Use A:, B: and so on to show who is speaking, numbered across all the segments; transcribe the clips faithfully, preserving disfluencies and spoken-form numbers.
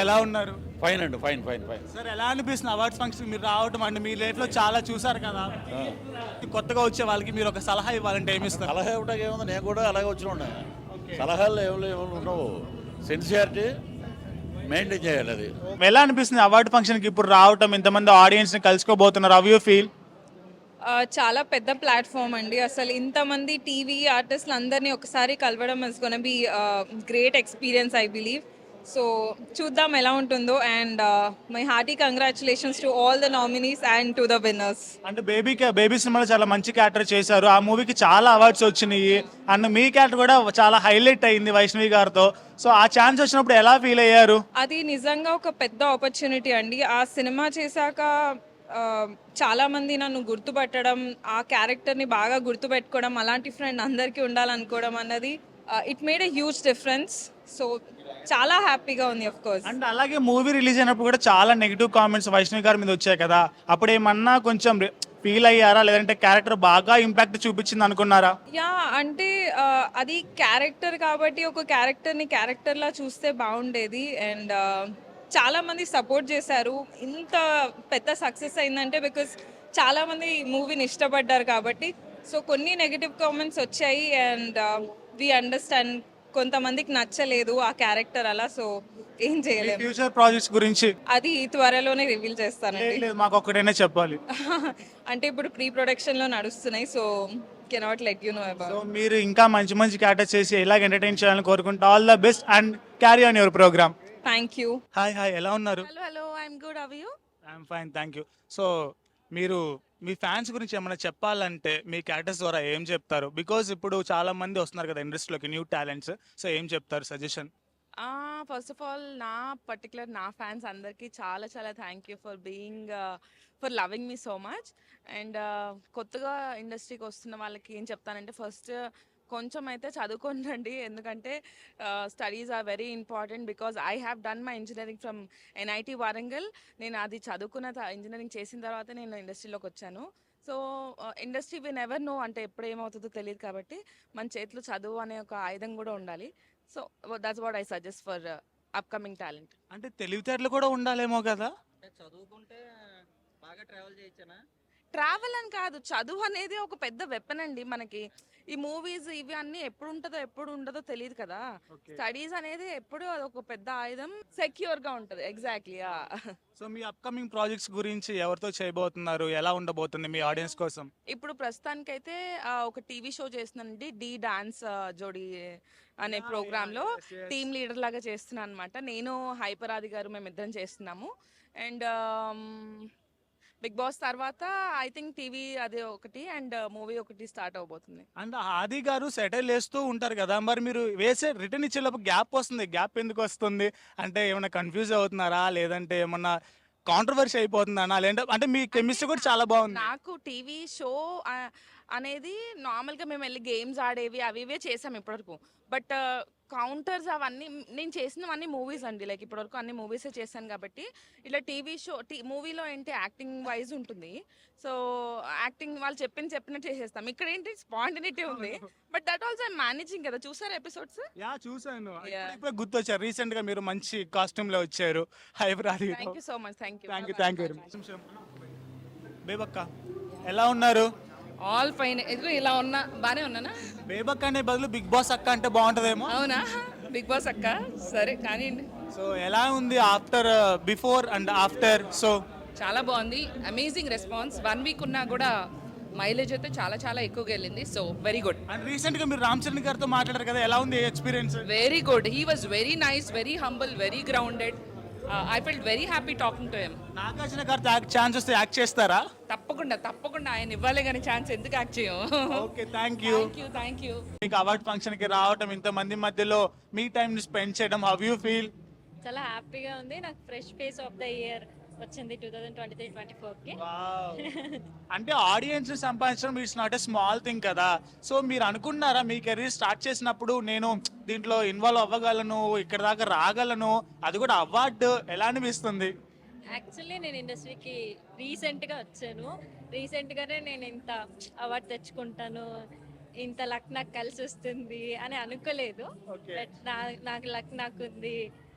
A: ఎలా ఉన్నారు?
B: ఫైన్ అండి, ఫైన్ ఫైన్ ఫైన్.
A: సార్ ఎలా అనిపిస్తుంది అవార్డ్స్ ఫంక్షన్ మీరు రావటం అంటే మీ లైఫ్లో చాలా చూసారు కదా, కొత్తగా వచ్చే వాళ్ళకి మీరు ఒక సలహా ఇవ్వాలంటే ఏమి ఇస్తారు?
B: సలహా ఇవ్వడానికి ఏముంది, నేను కూడా అలాగే వచ్చిన ఉన్నా. సలహాలు ఏమి ఏమి ఉండవు, సిన్సియారిటీ మెయింటైన్ చేయాలి. అది
A: ఎలా అనిపిస్తుంది అవార్డు ఫంక్షన్కి ఇప్పుడు రావటం, ఇంతమంది ఆడియన్స్ని కలుసుకోబోతున్నారు, హౌ యూ ఫీల్?
C: ఆ, చాలా పెద్ద ప్లాట్ఫామ్ అండి. అసలు ఇంతమంది టీవీ ఆర్టిస్టులు అందరినీ ఒకసారి కలవడం is gonna be great experience I believe. So చూద్దాం ఎలా ఉంటుందో. And my hearty congratulations to all the nominees and to the winners.
A: అంటే బేబీ బేబీ సినిమాలో చాలా మంచి క్యారెక్టర్ చేశారు, ఆ మూవీకి చాలా అవార్డ్స్ వచ్చినాయి అండ్ మీ క్యారెక్టర్ కూడా చాలా హైలైట్ అయింది వైష్ణవి గారితో. సో ఆ ఛాన్స్ వచ్చినప్పుడు ఎలా ఫీల్ అయ్యారు?
C: అది నిజంగా ఒక పెద్ద ఆపర్చునిటీ అండి. ఆ సినిమా చేశాక ఆ, చాలా మంది నన్ను గుర్తుపట్టడం, ఆ క్యారెక్టర్ని బాగా గుర్తుపెట్టుకోవడం, అలాంటి ఫ్రెండ్ అందరికీ ఉండాలనుకోవడం అన్నది it made a huge difference. So చాలా హ్యాపీగా ఉంది ఆఫ్ కోర్స్.
A: అండ్ అలాగే మూవీ రిలీజ్ అయినప్పుడు కూడా చాలా నెగిటివ్ కామెంట్స్ వైష్ణవి గారి మీద వచ్చాయి కదా, అప్పుడు ఏమన్నా కొంచెం ఫీల్ అయ్యారా, లేదంటే క్యారెక్టర్ బాగా ఇంపాక్ట్ చూపించింది అనుకున్నారా?
C: యా, అంటే ఆ, అది క్యారెక్టర్ కాబట్టి ఒక క్యారెక్టర్ని క్యారెక్టర్లా చూస్తే బాగుండేది. అండ్ చాలా మంది సపోర్ట్ చేశారు. ఇంత పెద్ద సక్సెస్ అయిందంటే బికాస్ చాలా మంది మూవీని ఇష్టపడ్డారు కాబట్టి. సో కొన్ని నెగిటివ్ కామెంట్స్ వచ్చాయి అండ్ వి అండర్స్టాండ్, కొంతమందికి నచ్చలేదు ఆ క్యారెక్టర్ అలా. సో ఏం చేయలేము.
A: ఫ్యూచర్ ప్రాజెక్ట్స్ గురించి
C: అది త్వరలోనే రివీల్ చేస్తానండి.
A: లేదు, మాకు ఒక్కటైనా చెప్పాలి.
C: అంటే ఇప్పుడు ప్రీ ప్రొడక్షన్లో నడుస్తున్నాయి. So cannot let you know
A: so
C: about.
A: మీరు ఇంకా మంచి మంచి క్యారెక్టర్ చేసి ఇలాగ ఎంటర్టైన్ చేయాలని కోరుకుంటా. All the best and carry on your programme.
C: Thank you.
A: Hi hi, ఎలా ఉన్నారు?
D: Hello hello I'm good, how are you?
A: I'm fine, thank you. So మీరు మీ ఫ్యాన్స్ గురించి ఏమైనా చెప్పాలంటే మీ క్యారెక్టర్స్ ద్వారా ఏం చెప్తారు? బికాజ్ ఇప్పుడు చాలా మంది వస్తున్నారు కదా ఇండస్ట్రీలోకి, న్యూ టాలెంట్స్. సో ఏం చెప్తారు సజెషన్?
D: ఫస్ట్ ఆఫ్ ఆల్ నా పర్టికులర్ నా ఫ్యాన్స్ అందరికీ చాలా చాలా thank you for being for loving me so much. And కొత్తగా ఇండస్ట్రీకి వస్తున్న వాళ్ళకి ఏం చెప్తానంటే, ఫస్ట్ కొంచెం అయితే చదువుకోండి, ఎందుకంటే studies are very important. Because I have done my engineering from NIT Warangal. నేను అది చదువుకున్న ఇంజనీరింగ్ చేసిన తర్వాత నేను ఇండస్ట్రీలోకి వచ్చాను. So industry we never know, అంటే ఎప్పుడు ఏమవుతుందో తెలియదు కాబట్టి మన చేతిలో చదువు అనే ఒక ఆయుధం కూడా ఉండాలి. So that's what I suggest for upcoming talent.
A: అంటే తెలివితేటలు కూడా ఉండాలేమో కదా?
E: చదువుకుంటే బాగా ట్రావెల్ చేయొచ్చనా?
D: ట్రావెల్ అని కాదు, చదువు అనేది ఒక పెద్ద వెపన్ అండి మనకి. ఈ మూవీస్ ఇవి అన్నీ ఎప్పుడు ఉంటుందో ఎప్పుడు ఉండదో తెలియదు కదా. స్టడీస్ అనేది ఎప్పుడు ఒక పెద్ద ఆయుధం, సెక్యూర్ గా ఉంటుంది. ఎగ్జాక్ట్లీ.
A: సో మీ అప్కమింగ్ ప్రాజెక్ట్స్ గురించి ఎవరితో చేయబోతున్నారు, ఎలా ఉండబోతుంది మీ ఆడియన్స్ కోసం?
D: ఇప్పుడు ప్రస్తుతానికైతే ఆ, ఒక టీవీ షో చేస్తున్నానండి, డి డాన్స్ జోడీ అనే ప్రోగ్రామ్ లో టీమ్ లీడర్ లాగా చేస్తున్నాను అనమాట. నేను హైపరాది గారు మేమిద్దరం చేస్తున్నాము. అండ్ బిగ్ బాస్ తర్వాత ఐ థింక్ టీవీ అది ఒకటి అండ్ మూవీ ఒకటి స్టార్ట్ అవబోతుంది.
A: అండ్ ఆది గారు సెటిల్ వేస్తూ ఉంటారు కదా, మరి మీరు వేసే రిటర్న్ ఇచ్చేలోపు గ్యాప్ వస్తుంది, గ్యాప్ ఎందుకు వస్తుంది? అంటే ఏమైనా కన్ఫ్యూజ్ అవుతున్నారా, లేదంటే ఏమన్నా కాంట్రవర్సీ అయిపోతుందా, లేదంటే అంటే మీ కెమిస్ట్రీ కూడా చాలా బాగుంది.
D: నాకు టీవీ షో అనేది నార్మల్గా మేము వెళ్ళి గేమ్స్ ఆడేవి అవి ఇవే చేసాం ఇప్పటివరకు. బట్ కౌంటర్స్ అవన్నీ నేను చేసినవన్నీ మూవీస్ అండి, లైక్ ఇప్పటివరకు అన్ని మూవీసే చేశాను కాబట్టి. ఇట్లా టీవీ షో టీ మూవీలో ఏంటి యాక్టింగ్ వైజ్ ఉంటుంది. సో యాక్టింగ్ వాళ్ళు చెప్పింది చెప్పినట్టు చేసేస్తాం. ఇక్కడ ఏంటి స్పాంటినిటీ ఉంది. But that also I managing కదా. చూసారు ఎపిసోడ్స్?
A: యా చూసాను, ఇప్పుడు గుర్తొచ్చారు. రీసెంట్ గా మీరు మంచి కాస్ట్యూమ్ లో వచ్చారు, Hyper Aadi.
D: Thank you so much. Thank you
A: thank you thank you very much. Bebakka ఎలా ఉన్నారు?
F: All fine. ఎదుగు ఇలా ఉన్నా బానే ఉన్నానా?
A: బేబక్క అనే బదులు బిగ్ బాస్ అక్క అంటే బాగుంటదేమో.
F: అవునా? బిగ్ బాస్ అక్క సరే కానీ
A: సో ఎలా ఉంది after, before and after? So
F: చాలా బాగుంది, అమేజింగ్ రెస్పాన్స్. వన్ వీక్ ఉన్నా కూడా మైలేజ్ అయితే చాలా చాలా ఎక్కువగా వెళ్ళింది. So very good.
A: And recent గా మీరు రామ్ చరణ్ గారితో మాట్లాడారు కదా, ఎలా ఉంది experience?
F: Very good. He was very nice, very humble, very grounded. I felt very happy talking to him.
A: Nagarjuna గారితో ఛాన్స్ వస్తే యాక్ట్ చేస్తారా?
F: తప్పకుండా తప్పకుండా, ఆయన ఇవ్వాలి కానీ ఛాన్స్ ఎందుకు యాక్ట్ చేయం.
A: Okay thank you.
F: Thank you thank you.
A: మీకు అవార్డ్ ఫంక్షన్ కి రావటం, ఇంత మంది మధ్యలో మీ టైం ని స్పెండ్ చేయడం, హౌ యూ ఫీల్?
G: చాలా హ్యాపీగా ఉంది. నాకు fresh face of the year వచ్చింది two thousand twenty three twenty four కి.
A: అంటే ఆడియన్స్ సంపాదించడం it's not a small thing కదా. సో మీరు అనుకున్నారా మీ కెరీర్ స్టార్ట్ చేసినప్పుడు నేను దీంట్లో ఇన్వాల్వ్ అవ్వగలను, ఇక్కడ దాకా రాగలను, అది కూడా అవార్డు, ఎలా అనిపిస్తుంది?
G: యాక్చువల్లీ నేను ఇండస్ట్రీకి రీసెంట్గా వచ్చాను. రీసెంట్గానే నేను ఇంత అవార్డు తెచ్చుకుంటాను, ఇంత లక్ నాకు కలిసి వస్తుంది అని అనుకోలేదు. బట్ నా నాకు లక్ నాకు ఉంది.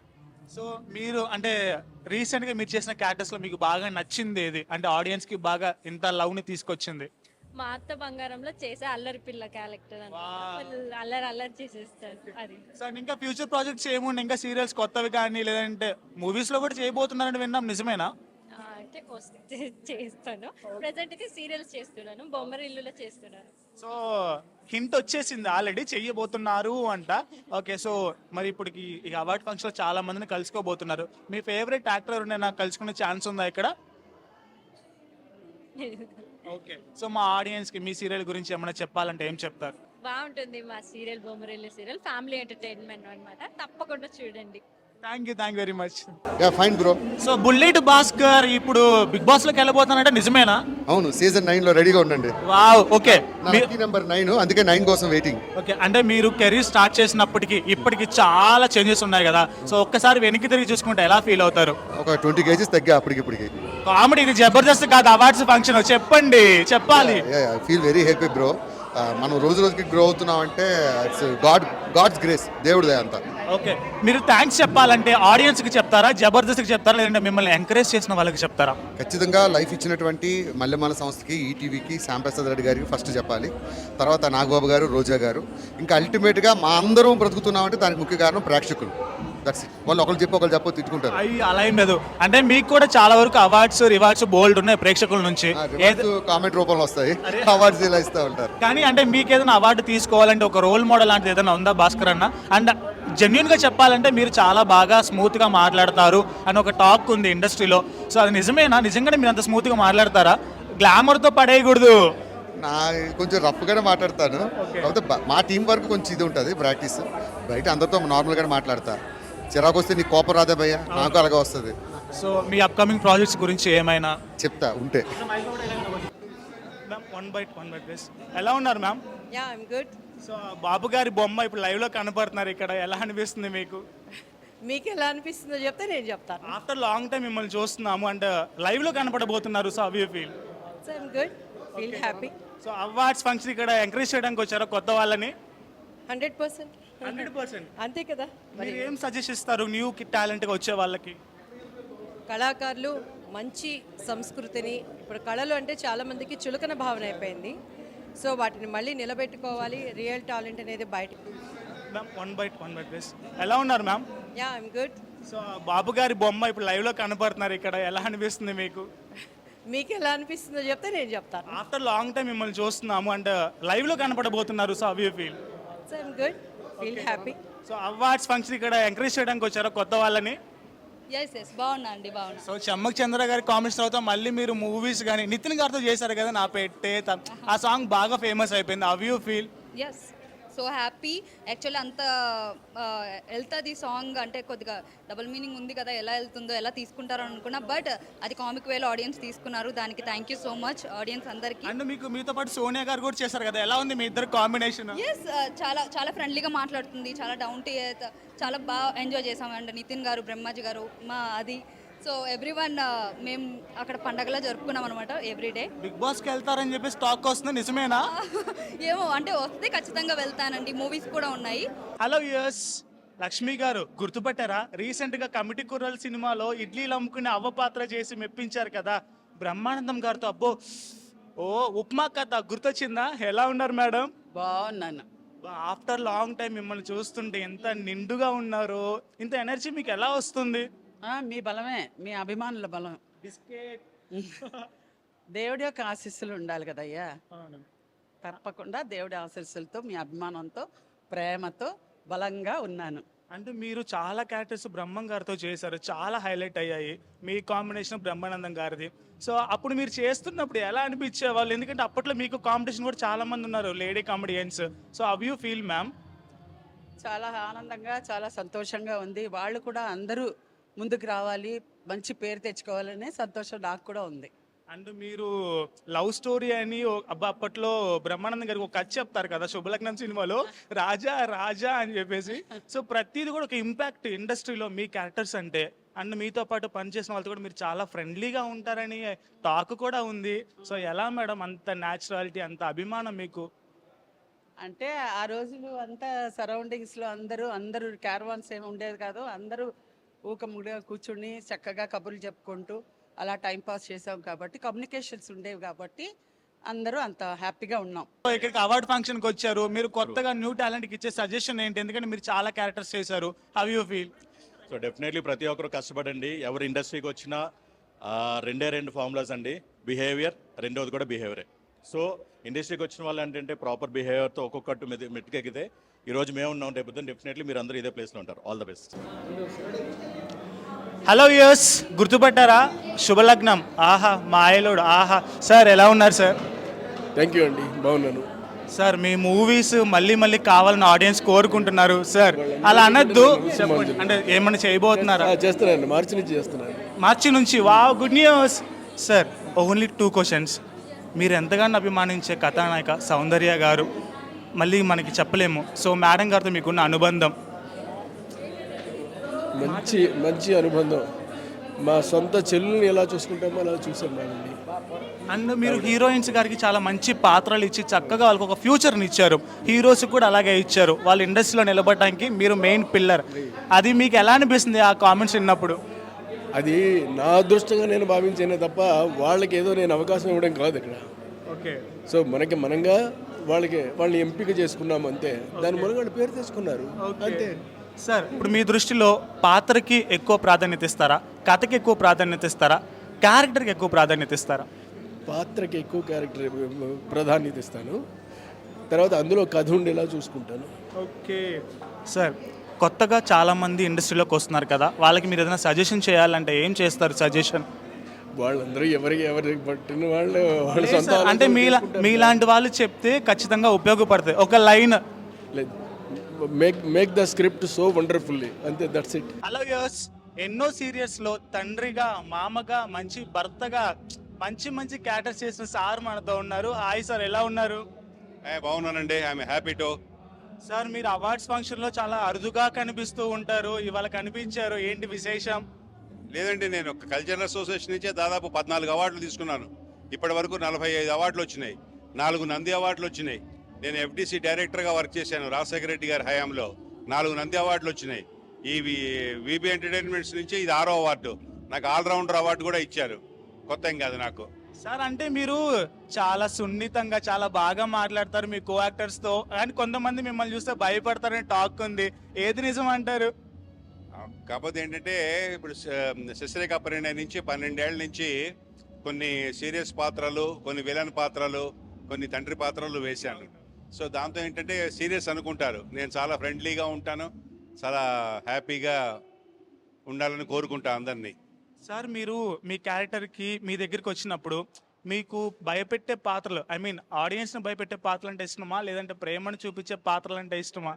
A: సో మీరు అంటే రీసెంట్ గా మీరు చేసిన క్యారెక్టర్స్ లో మీకు బాగా నచ్చింది ఏది, అంటే ఆడియన్స్ కి బాగా ఇంత లవ్ ని తీసుకొచ్చింది?
G: మా అత్త బంగారంలో చేసే అల్లరి పిల్ల క్యారెక్టర్
A: Wow.
G: అన్నమాట అల్లరి అల్లరి చేసేస్తారు అది.
A: సో ఇంకా ఫ్యూచర్ ప్రాజెక్ట్స్ ఏముండే, ఇంకా సీరియల్స్ కొత్తవి కానీ లేదంటే మూవీస్ లో కూడా చేయబోతున్నారని విన్నాం, నిజమేనా?
G: ఆ, అంటే వస్తే చేస్తాను. ప్రెసెంట్ అయితే సీరియల్స్ చేస్తున్నాను, బొమ్మరిల్లులో చేస్తున్నాను.
A: సో హింట్ వచ్చేసింది ఆల్రెడీ చెయ్యబోతున్నారు అంట. ఓకే, సో మరి ఇప్పుడు ఈ అవార్డ్ ఫంక్షన్ లో చాలా మందిని కలుసుకోబోతున్నారు. మీ ఫేవరెట్ యాక్టర్ ఎవరైనా కలుసుకునే ఛాన్స్ ఉందా ఇక్కడ? ఓకే, సో మా ఆడియన్స్ కి మీ సీరియల్ గురించి ఏమైనా చెప్పాలంటే ఏం చెప్తారు?
G: బాగుంటుంది మా serial, Bommarillu serial family entertainment అన్నమాట. తప్పకుండా చూడండి.
A: Thank you thank very much.
H: Yeah fine bro.
A: So bullet Bhaskar ఇప్పుడు బిగ్ బాస్ లోకి వెళ్ళబోతున్నారంటే నిజమేనా?
H: అవును, సీజన్ నైన్ లో రెడీగా ఉండండి.
A: Wow, okay.
H: నా లక్కీ నెంబర్ నైన్, అందుకే నైన్ కోసం వెయిటింగ్.
A: ఓకే, అంటే మీరు కెరీర్ స్టార్ట్ చేసినప్పటికి ఇప్పటికి చాలా చేంజెస్ ఉన్నాయి కదా, సో ఒక్కసారి వెనక్కి తిరిగి చూసుకుంటే ఎలా ఫీల్ అవుతారు?
H: ఒక ట్వంటీ కేజీస్ తగ్గా అప్పటికి ఇప్పటికి.
A: కామెడీ ఇది జబర్దస్త్ కాదు, అవార్డ్స్ ఫంక్షన్. చెప్పండి, చెప్పాలి.
H: I feel very happy bro. మనం రోజు రోజుకి గ్రో అవుతున్నాం అంటే ఇట్స్ గాడ్ గాడ్స్ గ్రేస్, దేవుడిదే అంతా.
A: ఓకే, మీరు థ్యాంక్స్ చెప్పాలంటే ఆడియన్స్ కి చెప్తారా, జబర్దస్త్ కి చెప్తారా, లేదంటే మిమ్మల్ని ఎంకరేజ్ చేసిన వాళ్ళకి చెప్తారా?
H: ఖచ్చితంగా లైఫ్ ఇచ్చినటువంటి మల్లెమాల సంస్థకి, ఈటీవీకి, శ్యాంప్రసాద్ రెడ్డి గారికి ఫస్ట్ చెప్పాలి. తర్వాత నాగబాబు గారు, రోజా గారు. ఇంకా అల్టిమేట్గా మా అందరం బ్రతుకుతున్నామంటే దానికి ముఖ్య కారణం ప్రేక్షకులు. That's it. వాళ్ళు ఒకళ్ళు చెప్పి ఒకళ్ళు చెప్పో తిట్టుకుంటారు.
A: అయ్యి అలా ఏం లేదు, అంటే మీకు కూడా చాలా వరకు అవార్డ్స్ రివార్డ్స్ బోల్డ్ ఉన్నాయి ప్రేక్షకుల నుంచి.
H: కామెంట్ రూపంలో వస్తాయి, అవార్డ్స్ ఇలా ఇస్తూ ఉంటారు.
A: కానీ అంటే మీకు ఏదైనా అవార్డు తీసుకోవాలంటే ఒక రోల్ మోడల్ లాంటిది ఏదైనా ఉందా భాస్కర్ అన్న? అండ్ జెన్యున్ గా చెప్పాలంటే మీరు చాలా బాగా స్మూత్ గా మాట్లాడతారు అని ఒక టాక్ ఉంది ఇండస్ట్రీలో. సో అది నిజమేనా? నిజంగానే మీరు అంత స్మూత్ గా మాట్లాడతారా? గ్లామర్ తో పడేయకూడదు.
H: నా కొంచెం రఫ్గానే మాట్లాడతాను, కాకపోతే బ- మా టీం వరకు కొంచెం ఇది ఉంటుంది ప్రాక్టీస్. బయట అందరితో నార్మల్గానే మాట్లాడతా. చిరాకు వస్తే నీకు కోపం రాదే భయ్య, నాకు అలాగే వస్తుంది.
A: సో మీ అప్కమింగ్ ప్రాజెక్ట్స్ గురించి ఏమైనా
H: చెప్తా ఉంటే.
A: One bite one bite please. ఎలా ఉన్నారు ma'am?
I: Yeah I'm good.
A: So Babu garu బొమ్మ ఇప్పుడు లైవ్ లో కనపడుతున్నారు ఇక్కడ, ఎలా అనిపిస్తుంది మీకు?
I: మీకు ఎలా అనిపిస్తుందో చెప్తే నేను చెప్తాను.
A: ఆఫ్టర్ లాంగ్ టైం మిమ్మల్ని చూస్తున్నాము అండ్ లైవ్ లో కనపడబోతున్నారు. సో అవి feel
I: so I'm good, feel happy.
A: So awards function ఇక్కడ ఎంకరేజ్ చేయడానికి వచ్చారు కొత్త వాళ్ళని.
I: హండ్రెడ్ పర్సెంట్
A: హండ్రెడ్ పర్సెంట్
I: అంతే కదా. మరి
A: మీరు ఏం సజెస్ట్ ఇస్తారు న్యూ టాలెంట్ గా వచ్చే వాళ్ళకి?
I: కళాకారులు మంచి సంస్కృతిని, ఇప్పుడు కళలు అంటే చాలా మందికి చులకన భావన అయిపోయింది. సో వాటిని మళ్ళీ నిలబెట్టుకోవాలి. రియల్ టాలెంట్ అనేది బయట.
A: Ma'am one bite one bite please. ఎలా ఉన్నారు ma'am?
I: Yeah I'm good.
A: So Babu garu బొమ్మ ఇప్పుడు లైవ్ లో కనపడుతున్నారు ఇక్కడ, ఎలా అనిపిస్తుంది మీకు?
I: మీకు ఎలా అనిపిస్తుందో చెప్తే నేను చెప్తాను.
A: ఆఫ్టర్ లాంగ్ టైం మిమ్మల్ని చూస్తున్నాము అండ్ లైవ్ లో కనపడబోతున్నారు. సో అవి feel
I: so I'm good, feel happy.
A: So awards function ఇక్కడ ఎంకరేజ్ చేయడానికి వచ్చారు కొత్త వాళ్ళని.
J: ఎస్ ఎస్ బాగున్నా అండి, బాగున్నా.
A: సో చెమ్మక్ చంద్ర గారి కామెంట్స్ తర్వాత మళ్ళీ మీరు మూవీస్ కానీ నితిన్ గారితో చేశారు కదా నా పెట్టే త- ఆ సాంగ్ బాగా ఫేమస్ అయిపోయింది. How you feel?
J: Yes so happy. Actually అంత వెళ్తుంది సాంగ్ అంటే కొద్దిగా డబుల్ మీనింగ్ ఉంది కదా, ఎలా వెళ్తుందో ఎలా తీసుకుంటారో అనుకున్నా, బట్ అది కామిక్ వేలో ఆడియన్స్ తీసుకున్నారు. దానికి thank you so much audience అందరికీ.
A: అండ్ మీకు మీతో పాటు సోనియా గారు కూడా చేశారు కదా, ఎలా ఉంది మీ ఇద్దరు కాంబినేషన్?
J: ఎస్ చాలా చాలా ఫ్రెండ్లీగా మాట్లాడుతుంది, చాలా డౌన్ టు ఎర్త్, చాలా బాగా ఎంజాయ్ చేసాం. అండ్ నితిన్ గారు, బ్రహ్మాజీ గారు, మా అది సో ఎవ్రీ వన్ మేము అక్కడ పండగలా జరుపుకున్నాం అనమాట ఎవ్రీడే.
A: బిగ్ బాస్ కి వెళ్తారని చెప్పేసి టాక్ వస్తుంది, నిజమేనా?
J: ఏమో అంటే వస్తే ఖచ్చితంగా వెళ్తానండి, మూవీస్ కూడా ఉన్నాయి.
A: హలో యూఎస్ లక్ష్మి గారు గుర్తుపట్టారా? రీసెంట్ గా కమిటీ కుర్రల్ సినిమాలో ఇడ్లీలు అమ్ముకునే అవ్వ పాత్ర చేసి మెప్పించారు కదా బ్రహ్మానందం గారితో. అబ్బో, ఓ ఉప్మా కథ గుర్తొచ్చిందా? ఎలా ఉన్నారు మేడం?
F: బాగున్నాను.
A: ఆఫ్టర్ లాంగ్ టైం మిమ్మల్ని చూస్తుంటే ఎంత నిండుగా ఉన్నారు, ఇంత ఎనర్జీ మీకు ఎలా వస్తుంది?
F: మీ బలమే, మీ అభిమానుల బలం.
A: బిస్కెట్
F: దేవుడి యొక్క ఆశీస్సులు ఉండాలి కదయ్యా. తప్పకుండా దేవుడి ఆశీస్సులతో, మీ అభిమానంతో, ప్రేమతో బలంగా ఉన్నాను.
A: అంటే మీరు చాలా క్యారెక్టర్స్ బ్రహ్మం గారితో చేశారు, చాలా హైలైట్ అయ్యాయి. మీ కాంబినేషన్ బ్రహ్మానందం గారిది. సో అప్పుడు మీరు చేస్తున్నప్పుడు ఎలా అనిపించే వాళ్ళు? ఎందుకంటే అప్పట్లో మీకు కాంపిటీషన్ కూడా చాలా మంది ఉన్నారు, lady comedians. So how you feel ma'am?
F: చాలా ఆనందంగా, చాలా సంతోషంగా ఉంది. వాళ్ళు కూడా అందరూ ముందుకు రావాలి, మంచి పేరు తెచ్చుకోవాలనే సంతోషం నాకు కూడా ఉంది.
A: అండ్ మీరు లవ్ స్టోరీ అని ఓ- అబ్బా అప్పట్లో బ్రహ్మానందం గారికి ఒక కథ చెప్తారు కదా శుభలగ్నం సినిమాలో, రాజా రాజా అని చెప్పేసి. సో ప్రతిది కూడా ఒక ఇంపాక్ట్ ఇండస్ట్రీలో మీ క్యారెక్టర్స్ అంటే. అండ్ మీతో పాటు పనిచేసిన వాళ్ళతో కూడా మీరు చాలా ఫ్రెండ్లీగా ఉంటారని టాక్ కూడా ఉంది. సో ఎలా మేడం అంత న్యాచురాలిటీ, అంత అభిమానం మీకు?
F: అంటే ఆ రోజులు అంతా సరౌండింగ్స్లో అందరూ అందరూ క్యారవాన్స్ ఏమి ఉండేది కాదు, అందరూ ఊకముడిగా కూర్చుని చక్కగా కబుర్లు చెప్పుకుంటూ అలా టైం పాస్ చేసాం కాబట్టి కమ్యూనికేషన్స్ ఉండేవి కాబట్టి అందరూ అంత హ్యాపీగా ఉన్నాం.
A: సో ఇక్కడికి అవార్డ్ ఫంక్షన్ కి వచ్చారు, మీరు కొత్తగా న్యూ టాలెంట్ కి ఇచ్చే సజెషన్ ఏంటి? ఎందుకంటే మీరు చాలా క్యారెక్టర్స్ చేశారు, how you feel?
B: So definitely ప్రతి ఒక్కరు కష్టపడండి. ఎవరు ఇండస్ట్రీకి వచ్చినా ఆ, రెండే రెండు ఫార్ములాస్ అండి, బిహేవియర్, రెండోది కూడా బిహేవియరే. సో ఇండస్ట్రీకి వచ్చిన వాళ్ళు ఏంటంటే ప్రాపర్ బిహేవియర్తో ఒక్కొక్కటి మెది మెట్టుకెక్కితే ఈరోజు మేము ఉన్నాం, రేపు డెఫినెట్లీ మీరు అందరూ ఇదే ప్లేస్లో ఉంటారు. All the best.
A: హలో యూస్, గుర్తుపట్టారా? శుభలగ్నం, ఆహా మాయలోడు, ఆహా. సార్ ఎలా ఉన్నారు సార్?
K: థ్యాంక్ యూ అండి, బాగున్నాను.
A: సార్ మీ మూవీస్ మళ్ళీ మళ్ళీ కావాలని ఆడియన్స్ కోరుకుంటున్నారు సార్, అలా అనొద్దు. చెప్పండి, అంటే ఏమన్నా చేయబోతున్నారా?
K: ఆ, చేస్తున్నాను, మార్చి నుంచి చేస్తున్నాను.
A: మార్చి నుంచి, wow, good news. Sir only two questions. మీరు ఎంతగానో అభిమానించే కథానాయిక సౌందర్య గారు మళ్ళీ మనకి చెప్పలేము, సో మేడం గారితో మీకున్న అనుబంధం?
K: మంచి మంచి అనుబంధం. మా సొంత చెల్లుని ఎలా చూసుకుంటామో అలా చూసాం మేడం.
A: అండ్ మీరు హీరోయిన్స్ గారికి చాలా మంచి పాత్రలు ఇచ్చి చక్కగా వాళ్ళకి ఒక ఫ్యూచర్ని ఇచ్చారు, హీరోస్ కూడా అలాగే ఇచ్చారు. వాళ్ళ ఇండస్ట్రీలో నిలబడడానికి మీరు మెయిన్ పిల్లర్. అది మీకు ఎలా అనిపిస్తుంది ఆ కామెంట్స్ విన్నప్పుడు?
K: అది నా అదృష్టంగా నేను భావించానే తప్ప వాళ్ళకి ఏదో నేను అవకాశం ఇవ్వడం కాదు ఇక్కడ.
A: ఓకే.
K: సో మనకి మనంగా వాళ్ళకి వాళ్ళని ఎంపిక చేసుకున్నాం అంతే, దాని మూలంగా వాళ్ళు పేరు తెచ్చుకున్నారు అంతే.
A: సార్ ఇప్పుడు మీ దృష్టిలో పాత్రకి ఎక్కువ ప్రాధాన్యత ఇస్తారా, కథకి ఎక్కువ ప్రాధాన్యత ఇస్తారా, క్యారెక్టర్కి ఎక్కువ ప్రాధాన్యత ఇస్తారా?
K: పాత్రకి ఎక్కువ క్యారెక్టర్ ప్రాధాన్యత ఇస్తాను, తర్వాత అందులో కథ ఉండేలా చూసుకుంటాను.
A: ఓకే. సార్ కొత్తగా చాలామంది ఇండస్ట్రీలోకి వస్తున్నారు కదా, వాళ్ళకి మీరు ఏదైనా సజెషన్ చేయాలంటే ఏం చేస్తారు సజెషన్?
K: వాళ్ళందరూ ఎవరికి ఎవరికి పట్టిన వాళ్ళు వాళ్ళ సొంత
A: అంటే మీలా మీలాంటి వాళ్ళు చెప్తే ఖచ్చితంగా ఉపయోగపడుతుంది. ఒక లైన్.
K: లేదు, make make the script so wonderfully, అంతే, దట్స్ ఇట్.
A: హలో యూస్, ఎన్నో సీరియల్స్ లో తండ్రిగా, మామగా, మంచి భర్తగా మంచి మంచి క్యారెక్టర్స్ చేసిన సార్ మనతో ఉన్నారు. హాయ్ సార్, ఎలా ఉన్నారు?
L: బాగున్నానండి, ఐఎమ్ హ్యాపీ టు.
A: సార్ మీరు అవార్డ్స్ ఫంక్షన్ లో చాలా అరుదుగా కనిపిస్తూ ఉంటారు, ఇవాళ కనిపించారు, ఏంటి విశేషం?
L: లేదండి, నేను ఒక కల్చరల్ అసోసియేషన్ నుంచే దాదాపు పద్నాలుగు అవార్డులు తీసుకున్నాను. ఇప్పటి వరకు నలభై ఐదు అవార్డులు వచ్చినాయి, నాలుగు నంది అవార్డులు వచ్చినాయి. నేను ఎఫ్డిసి డైరెక్టర్గా వర్క్ చేశాను రాజశేఖర రెడ్డి గారి హయాంలో, నాలుగు నంది అవార్డులు వచ్చినాయి. ఈ విబి ఎంటర్టైన్మెంట్స్ నుంచి ఇది ఆరో అవార్డు, నాకు ఆల్రౌండర్ అవార్డు కూడా ఇచ్చారు. కొత్త ఏం కాదు నాకు.
A: సార్ అంటే మీరు చాలా సున్నితంగా చాలా బాగా మాట్లాడతారు మీ కో యాక్టర్స్ తో, కానీ కొంతమంది మిమ్మల్ని చూస్తే భయపడతారని టాక్ ఉంది, ఏది నిజం అంటారు?
L: కాకపోతే ఏంటంటే ఇప్పుడు శశిరేఖ పరిణయ నుంచి పన్నెండేళ్ల నుంచి కొన్ని సీరియస్ పాత్రలు, కొన్ని విలన్ పాత్రలు, కొన్ని తండ్రి పాత్రలు వేశాను. సో దాంతో ఏంటంటే సీరియస్ అనుకుంటారు, నేను చాలా ఫ్రెండ్లీగా ఉంటాను, చాలా హ్యాపీగా ఉండాలని కోరుకుంటా అందరినీ.
A: సార్ మీరు మీ క్యారెక్టర్కి మీ దగ్గరికి వచ్చినప్పుడు మీకు భయపెట్టే పాత్రలు, ఐ మీన్ ఆడియన్స్ని భయపెట్టే పాత్రలు అంటే ఇష్టమా, లేదంటే ప్రేమను చూపించే పాత్రలు అంటే ఇష్టమా?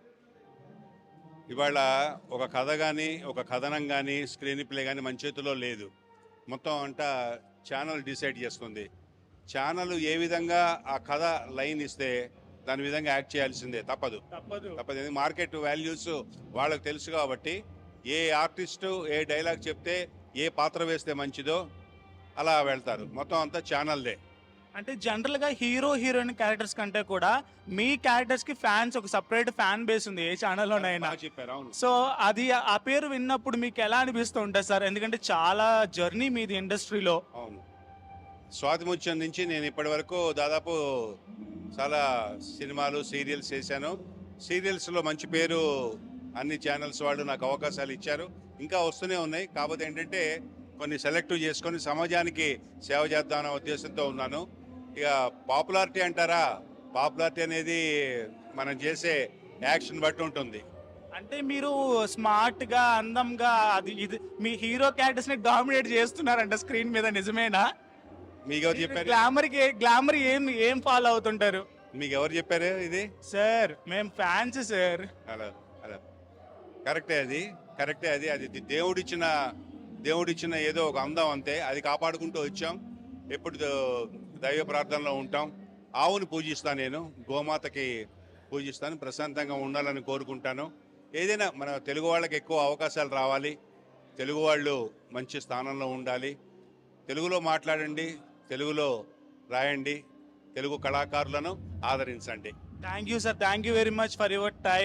L: ఇవాళ ఒక కథ కానీ, ఒక కథనం కానీ, స్క్రీన్ ప్లే కానీ మన చేతిలో లేదు. మొత్తం అంతా ఛానల్ డిసైడ్ చేస్తుంది. ఛానల్ ఏ విధంగా ఆ కథ లైన్ ఇస్తే దాని విధంగా యాక్ట్ చేయాల్సిందే, తప్పదు
A: తప్పదు
L: తప్పదు మార్కెట్ వాల్యూస్ వాళ్ళకి తెలుసు కాబట్టి ఏ ఆర్టిస్టు ఏ డైలాగ్ చెప్తే ఏ పాత్ర వేస్తే మంచిదో అలా వెళ్తారు. మొత్తం అంతా ఛానల్దే.
A: అంటే జనరల్గా హీరో హీరోయిన్ క్యారెక్టర్స్ కంటే కూడా మీ క్యారెక్టర్స్కి ఫ్యాన్స్ ఒక సపరేట్ ఫ్యాన్ బేస్ ఉంది ఏ ఛానల్లోనైనా.
L: చెప్పారు, అవును.
A: సో అది ఆ పేరు విన్నప్పుడు మీకు ఎలా అనిపిస్తూ ఉంటుంది సార్? ఎందుకంటే చాలా జర్నీ మీది ఇండస్ట్రీలో.
L: అవును, స్వాతి ముత్యం నుంచి నేను ఇప్పటి వరకు దాదాపు చాలా సినిమాలు, సీరియల్స్ చేశాను. సీరియల్స్లో మంచి పేరు అన్ని ఛానల్స్ వాళ్ళు నాకు అవకాశాలు ఇచ్చారు, ఇంకా వస్తూనే ఉన్నాయి. కాకపోతే ఏంటంటే కొన్ని సెలెక్టివ్ చేసుకొని సమాజానికి సేవ చేద్దామనే ఉద్దేశంతో ఉన్నాను. ఇక పాపులారిటీ అంటారా, పాపులారిటీ అనేది మనం చేసే యాక్షన్ బట్టి ఉంటుంది.
A: అంటే మీరు స్మార్ట్గా, అందంగా, అది ఇది మీ హీరో క్యారెక్టర్స్ని డామినేట్ చేస్తున్నారంట స్క్రీన్ మీద, నిజమేనా?
L: మీకు ఎవరు చెప్పారు?
A: గ్లామర్ గ్లామర్ ఏం ఏం ఫాలో అవుతుంటారు?
L: మీకు ఎవరు చెప్పారు ఇది?
A: సార్ మేము ఫ్యాన్స్ సార్.
L: అలా అలా కరెక్టే, అది కరెక్టే, అది అది దేవుడిచ్చిన దేవుడిచ్చిన ఏదో ఒక అందం అంతే, అది కాపాడుకుంటూ వచ్చాం. ఎప్పుడు దైవ ప్రార్థనలో ఉంటాం. ఆవుని పూజిస్తాను, నేను గోమాతకి పూజిస్తాను, ప్రశాంతంగా ఉండాలని కోరుకుంటాను. ఏదైనా మన తెలుగు వాళ్ళకి ఎక్కువ అవకాశాలు రావాలి, తెలుగు వాళ్ళు మంచి స్థానంలో ఉండాలి. తెలుగులో మాట్లాడండి, తెలుగులో రాయండి, తెలుగు కళాకారులను ఆదరించండి.
A: Thank you sir, thank you very much for your time.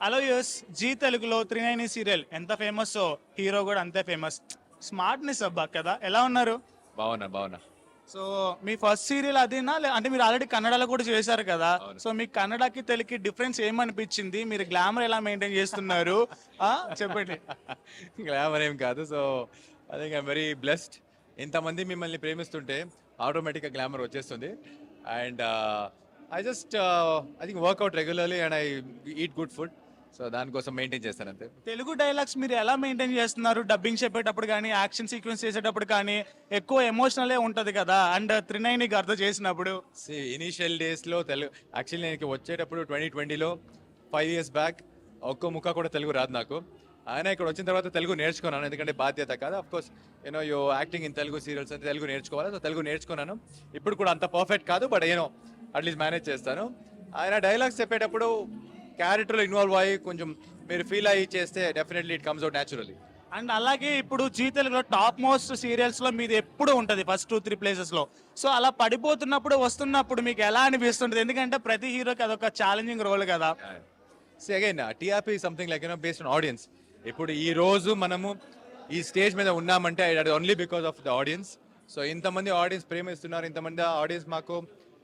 A: Hello యూస్ జీ తెలుగులో త్రీ నైన్ సీరియల్ ఎంత ఫేమస్ హీరో కూడా అంతే ఫేమస్. స్మార్ట్నెస్ అబ్బా కదా. ఎలా ఉన్నారు?
M: బాగున్నా బాగున్నా
A: సో మీ ఫస్ట్ సీరియల్ అదేనా లే- అంటే మీరు ఆల్రెడీ కన్నడలో కూడా చేశారు కదా. సో మీ కన్నడకి తెలుగుకి డిఫరెన్స్ ఏమనిపించింది? మీరు గ్లామర్ ఎలా మెయింటైన్ చేస్తున్నారు ఆ, చెప్పండి.
M: గ్లామర్ ఏం కాదు. So I think I'm very blessed. ఇంతమంది మిమ్మల్ని ప్రేమిస్తుంటే ఆటోమేటిక్గా గ్లామర్ వచ్చేస్తుంది. And I just I think work out regularly and I eat good food. So దానికోసం మెయింటైన్ చేస్తాను అంతే.
A: తెలుగు డైలాగ్స్ మీరు ఎలా మెయింటైన్ చేస్తున్నారు? డబ్బింగ్ చెప్పేటప్పుడు కానీ యాక్షన్ సీక్వెన్స్ చేసేటప్పుడు కానీ ఎక్కువ ఎమోషనలే ఉంటది కదా. అండ్ త్రినైనికి అర్థం చేసినప్పుడు
M: సి ఇనీషియల్ డేస్లో తెలుగు యాక్చువల్లీ నేను వచ్చేటప్పుడు ట్వంటీ ట్వంటీలో ఫైవ్ ఇయర్స్ బ్యాక్ ఒక్క ముక్క కూడా తెలుగు రాదు నాకు. ఆయన ఇక్కడ వచ్చిన తర్వాత తెలుగు నేర్చుకున్నాను, ఎందుకంటే బాధ్యత కాదు. Of course you know you acting in Telugu serials అంటే తెలుగు నేర్చుకోవాలి. సో తెలుగు నేర్చుకున్నాను. ఇప్పుడు కూడా అంత పర్ఫెక్ట్ కాదు, బట్ యూనో అట్లీస్ట్ మేనేజ్ చేస్తాను. ఆయన డైలాగ్స్ చెప్పేటప్పుడు క్యారెక్టర్లో ఇన్వాల్వ్ అయ్యి కొంచెం మీరు ఫీల్ అయ్యి చేస్తే definitely it comes out naturally.
A: And అలాగే ఇప్పుడు జీ తెలుగులో టాప్ మోస్ట్ సీరియల్స్ లో మీది ఎప్పుడు ఉంటది ఫస్ట్ టూ త్రీ ప్లేసెస్ లో. సో అలా పడిపోతున్నప్పుడు వస్తున్నప్పుడు మీకు ఎలా అనిపిస్తుంటది? ఎందుకంటే ప్రతి హీరోకి అదొక ఛాలెంజింగ్ రోల్ కదా.
M: So again TRP something like you know based on audience. ఇప్పుడు ఈ రోజు మనము ఈ స్టేజ్ మీద ఉన్నామంటే అది only because of the audience. So ఇంతమంది ఆడియన్స్ ప్రేమిస్తున్నారు, ఇంతమంది ఆడియన్స్ మాకు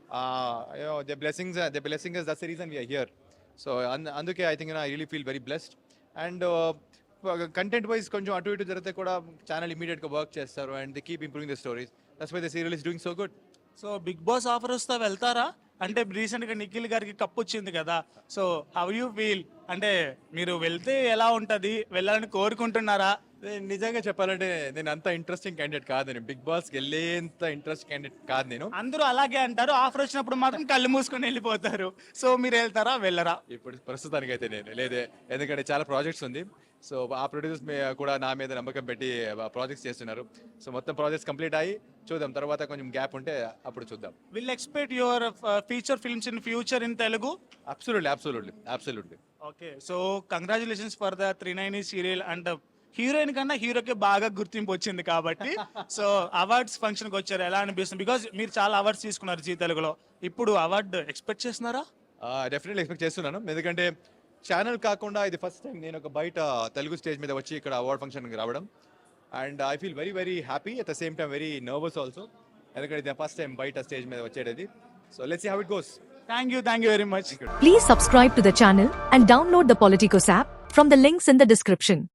M: the blessings the blessings that's the reason we're here. So అందుకే I think I really feel very blessed. And content wise కొంచెం అటు ఇటు జరిగితే కూడా ఛానల్ ఇమీడియట్గా వర్క్ చేస్తారు and the keep improving the stories. That's why the serial is doing so good.
A: So big boss offer వస్తే వెళ్తారా? అంటే రీసెంట్ గా నిఖిల్ గారికి కప్ వచ్చింది కదా. So how you feel? అంటే మీరు వెళ్తే ఎలా ఉంటది? వెళ్ళాలని కోరుకుంటున్నారా?
M: నేను నిజంగా చెప్పాలంటే నేను అంత ఇంట్రెస్టింగ్ క్యాండిడేట్ కాదు. నేను బిగ్ బాస్కి వెళ్ళేంత ఇంట్రెస్ట్ క్యాండిడేట్ కాదు నేను.
A: అందరూ అలాగే అంటారు. ఆఫర్ వచ్చినప్పుడు మాత్రం కళ్ళు మూసుకొని వెళ్ళిపోతారు. సో మీరు వెళ్తారా వెళ్ళరా?
M: ఇప్పుడు ప్రస్తుతానికి అయితే నేను లేదే, ఎందుకంటే చాలా ప్రాజెక్ట్స్ ఉంది. సో ఆ ప్రొడ్యూసర్స్ కూడా నా మీద నమ్మకం పెట్టి ప్రాజెక్ట్స్ చేస్తున్నారు. సో మొత్తం ప్రాజెక్ట్స్ కంప్లీట్ అయ్యి చూద్దాం, తర్వాత కొంచెం గ్యాప్ ఉంటే అప్పుడు చూద్దాం.
A: Will expect your feature films in future in Telugu?
M: Absolutely absolutely absolutely.
A: Okay, so congratulations for the three nine serial. And heroine కన్నా హీరోకి బాగా గుర్తింపు వచ్చింది కాబట్టి సో అవార్డ్స్ ఫంక్షన్కి వచ్చారు. ఎలా అనిపిస్తుంది? బికాజ్ మీరు చాలా అవార్డ్స్ తీసుకున్నారు జీ తెలుగులో. ఇప్పుడు అవార్డు ఎక్స్పెక్ట్ చేస్తున్నారా?
M: డెఫినెట్లీ ఎక్స్పెక్ట్ చేస్తున్నాను, ఎందుకంటే ఛానల్ కాకుండా ఇది ఫస్ట్ టైం నేను ఒక బయట తెలుగు స్టేజ్ మీద వచ్చి ఇక్కడ అవార్డ్ ఫంక్షన్కి రావడం. And I feel very very happy, at the same time very nervous also, ఎందుకంటే ఇది ఫస్ట్ టైం బయట స్టేజ్ మీద వచ్చేది. So let's see how it goes.
A: Thank you thank you very much.
N: Please subscribe to the channel and download the Politicos app from the links in the description.